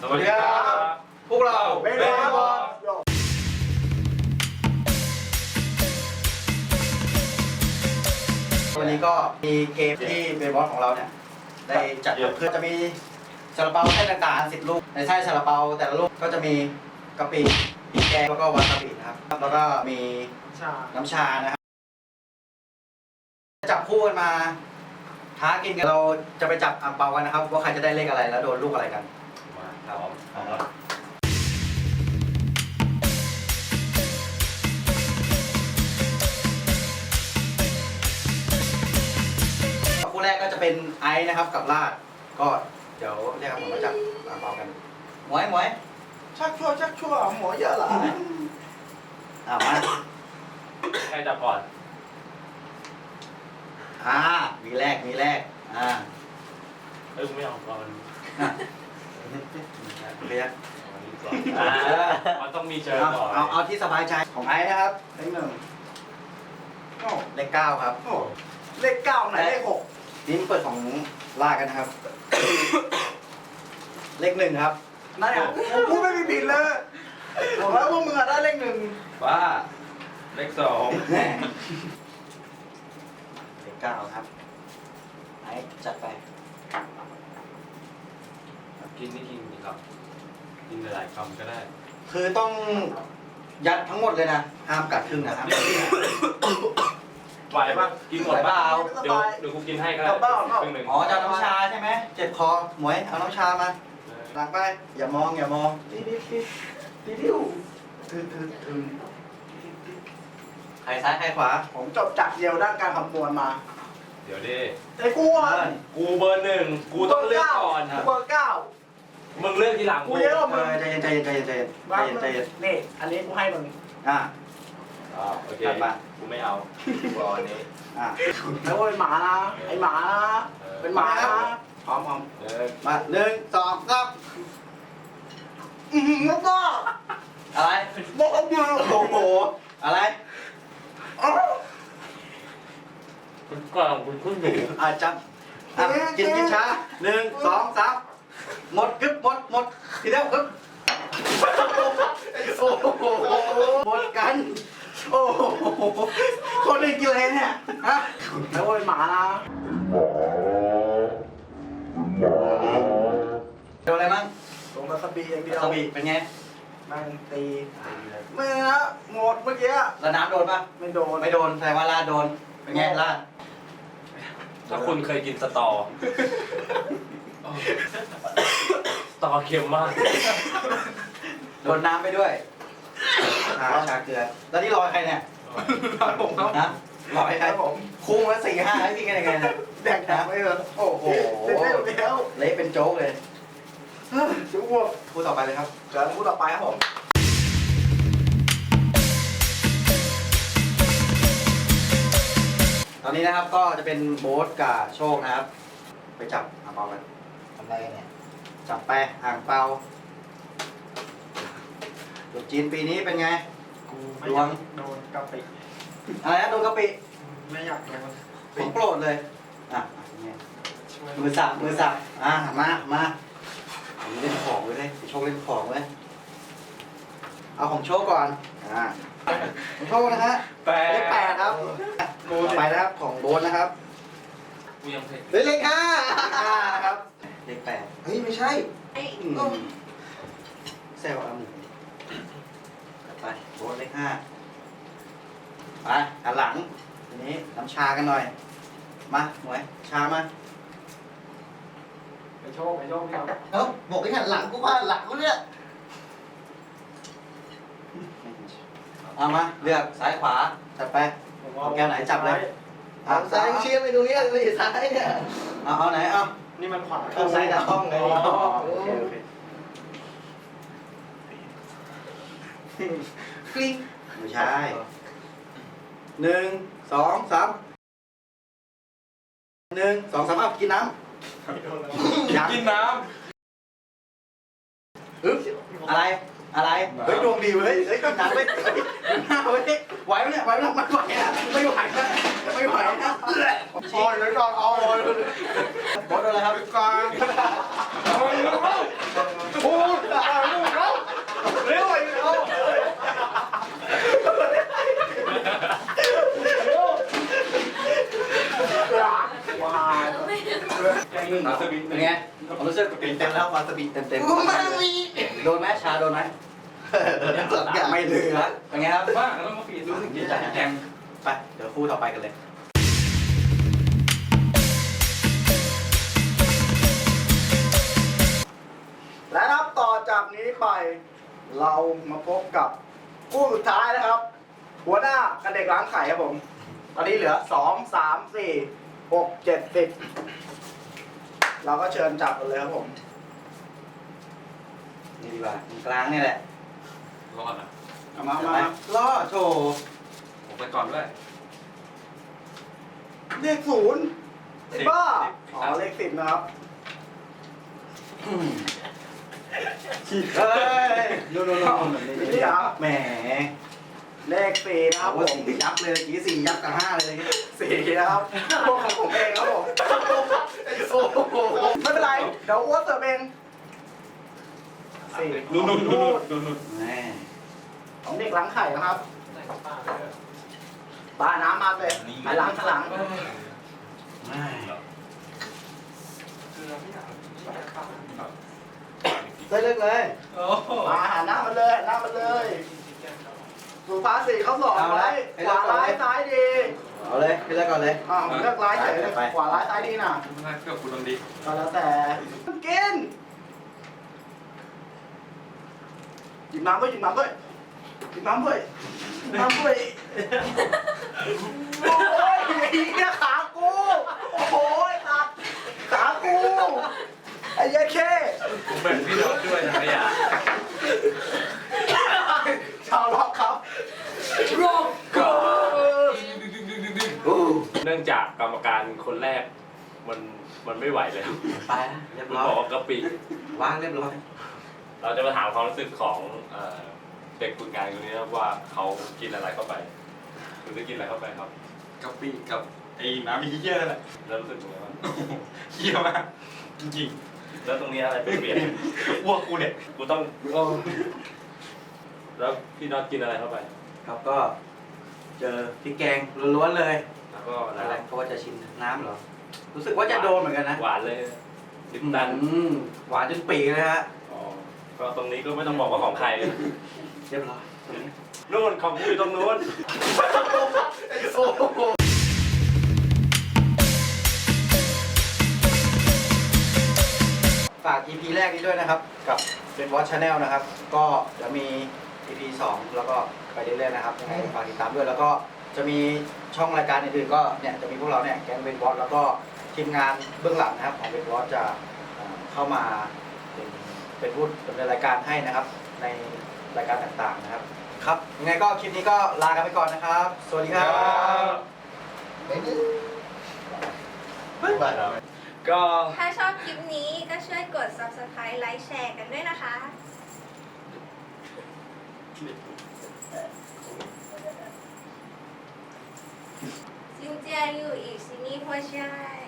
วัสดีครับพวกเราเบนบอลวันนี้ก็มีเกมที่เบนบอลของเราเนี่ยได้จัดเพื่อจะมีซาลาเปาไส้ต่างๆ10 ลูกในไส้ซาลาเปาแต่ละลูกก็จะมีกะปิพริกแกงแล้วก็วาซาบินะครับแล้วก็มีน้ำชานะครับจับคู่กันมาท้ากินกันเราจะไปจับอั่งเปากันนะครับว่าใครจะได้เลขอะไรแล้วโดนลูกอะไรกันมาครับคู่แรกก็จะเป็นไอซ์นะครับกับลาดก็เดี๋ยวเรียกผมมาจับอั่งเปากันหมวยชักชั่วหมอเยอะเหรอมาใครจับก่อนมีแรกเอ้ยไม่เอาก่อนเรียกมันต้องมีเจอก่อนเอาที่สบายใจของไอซ์นะครับเลข 1เลข 9ครับเลข 9ไหนเลข 6 นี่เปิดของลากันนะครับเลข 1ครับนั่นอ่ะกูไม่มีผิดเลยบอกแล้วว่ามึงได้เลข 1 บ้าเลข 2 เลข 9ครับไอ้จัดไปกินไม่กินดีครับกินหลายๆคำก็ได้คือต้องยัดทั้งหมดเลยนะห้ามกัดครึ่งนะครับไหวป่ะกินหมดเปล่าเดี๋ยวกูกินให้ก็ได้ครึ่งหนึ่งอ๋อจะน้ำชาใช่ไหมเจ็บคอหมวยเอาน้ำชามาหลังไปอย่ามองทิวใครซ้ายใครขวาผมจบจากเดียวด้านการคำนวณมาเดี๋ยวดิไอ้กูกูเบอร์ 1กูต้องเลือกก่อนกูเบอร์ 9 มึงเลือกทีหลังกูเยอะกว่ามึงใจเย็นนี่อันนี้กูให้มึงโอเคกูไม่เอากูเอาอันนี้แล้วเป็นหมานะไอหมานะเป็นหมานะพร้อมมา1 2 3 แล้วก็อะไรบอกเอาเดียวโอ้โหอะไรคุณกลางคุณขึ้นอยู่จับกินช้า1 2 3หมดทีเดียวโอ้โหหมดกันโอ้โหคนอื่นกินอะไรเนี่ยฮะแล้วเป็นหมานะโดนอะไรมั่งลงมาสบีอย่างเดียวสบีเป็นไงมันตีเมื่อหมดเมื่อกี้แล้วน้ำโดนปะไม่โดนแสดงว่าลาดโดนเป็นไงลาดถ้าคุณเคยกินสตอเค็มมากโดนน้ำไปด้วยชาเกลือแล้วนี่รอใครเนี่ยผมครับนะรอใครผมคุ้งละ4-5ให้พี่กันยังไงเนี่ยแดกน้ำไม่เหรอโอ้โหเละเป็นโจ๊กเลยจุ๊บพูดต่อไปเลยครับเจอพูดต่อไปครับผมตอนนี้นะครับก็จะเป็นโบ๊ทกับโชคนะครับไปจับอ่างเปากันทำอะไรกันเนี่ยจับไปอ่างเปาตุ๊จีนปีนี้เป็นไงกูไม่โดนกะปิอะไรนะโดนกะปิไม่อยากโดนของโปรดเลยมือสับมาผมเล่นของเลยโชคเล่นของเลยเอาของโชคก่อนของโชคนะฮะเลข 8ครับไปนะครับของโบ๊ทนะครับกูยังเพลเลข 5นะครับเลข 8เฮ้ยไม่ใช่แซวเอาหมูไปโบ๊ทเลข 5ไปหันหลังทีนี้น้ำชากันหน่อยมาหมวยชามาไปโชคครับบอกให้หันหลังกูว่าหลังกูเนี่ยเอามาเลือกซ้ายขวาจัดไปเอาแก้วไหนจับเลยซ้ายเชียร์ไปตรงนี้เลยซ้ายเนี่ยเอาไหนเอานี่มันขวาเอาซ้ายแต่ห้องไงโอเคกลิ้งไม่ใช่1 2 3เอากินน้ำกินน้ำอะไรเฮ้ยดวงดีเว้ยเฮ้ยกินน้ำเว้ยไหวไหมเนี่ยไหวนะมันไหวนะไม่ไหวนะพอเลยก่อนเอาเลยบอสอะไรครับโอ้นาสบิเป็นไงผมรู้สึกเต็มแล้ววาซาบิเต็มกูไม่มีโดนไหมชาโดนไหมสองอย่างไม่เหลือเป็นไงครับบ้างต้องมาปีรู้สึกดีใจแกงไปเดี๋ยวคู่ต่อไปกันเลยและนับต่อจากนี้ไป เรามาพบกับคู่สุดท้ายนะครับ หัวหน้ากับเด็กล้างไข่ครับผม ตอนนี้เหลือ2 3 4 6 7 10เราก็เชิญจับกันเลยครับผมนี่ดีกว่าตรงกลางนี่แหละรอดอ่ะเอามาไปล่อโชว์ผมไปก่อนด้วยเลข0ไอ้บ้า อ๋อ เลข10นะครับเฮ้ยนู่นนี่แหมเลข4นะครับผว่าม สี่ยับเลยเมื่อกี้4ยับกับ5เลย 4นะครับพวกของผมเองครับผมโอ้โหไม่เป็นไร เดี๋ยวอ้วนเติมเอง4 นู่นแหมของเด็กล้างไข่นะครับปลาน้ำมาเลยไปล้างข้างหลังแหม ได้เลือกเลยมาหันหน้ามาเลยหันหน้ามาเลยสุภาษิตเขาสอนไว้ขวาร้ายซ้ายดีเอาเลยไปเลือกก่อนเลยเลือกร้ายเฉยเลยขวาร้ายซ้ายดีน่ะไม่ได้เกือบคุณลองดีก็แล้วแต่กินหยิบน้ำด้วยหยิบน้ำด้วยหยิบน้ำด้วยหยิบน้ำด้วยโอ้ยไอ้เหี้ยขากูโอ้ยขากูไอ้เหี้ยเข้ผมแบ่งพี่รถด้วยนะอย่าชาวล็อกครับเนื่องจากกรรมการคนแรกมันไม่ไหวแล้วไปเรียบมันร้อบอกยว่ากะปิวางเรียบร้อยเราจะมาถามความรู้สึกของเด็กฝึกงานคนนี้นะว่าเขากินอะไรเข้าไปคุณได้กินอะไรเข้าไปครับกะปิกับไอ้น้ำมีเยี่ยนั่นแหละแล้วรู้สึกยังไงบ้างเยี่ยมากจริงแล้วตรงนี้อะไรเปลี่ยนๆอ้วกกูเนี่ยกูต้องแล้วพี่น็อตกินอะไรเข้าไปครับก็เจอพริกแกงล้วนๆเลยแล้วก็อะไรเขาว่าจะชิมน้ำเหรอ รู้สึกว่าจะโดนเหมือนกันนะหวานเลยลิปตันหวานจนปีกเลยฮะอ๋อก็ตรงนี้ก็ไม่ต้องบอกว่าของใครเรียบร้อยตรงนี้นู่นของกูอยู่ตรงนู้นฝาก EP แรกนี้ด้วยนะครับ กับเป็นวอชชาแนลนะครับ ก็จะมี EP 2 แล้วก็ไปเรื่อยๆนะครับยังไงฝากติดตามด้วย แล้วก็จะมีช่องรายการอื่นๆก็เนี่ยจะมีพวกเราเนี่ยแก๊งเวนวอชแล้วก็ทีมงานเบื้องหลังนะครับของเวนวอชจะเข้ามาเป็นผู้ดำเนินรายการให้นะครับ ในรายการต่างๆนะครับ ครับยังไงก็คลิปนี้ก็ลากันไปก่อนนะครับ สวัสดีครับก็ถ้าชอบคลิปนี้ก็ช่วยกด subscribe ไลค์แชร์กันด้วยนะคะ ซินเจียอยู่อีกซินี่พ่อชาย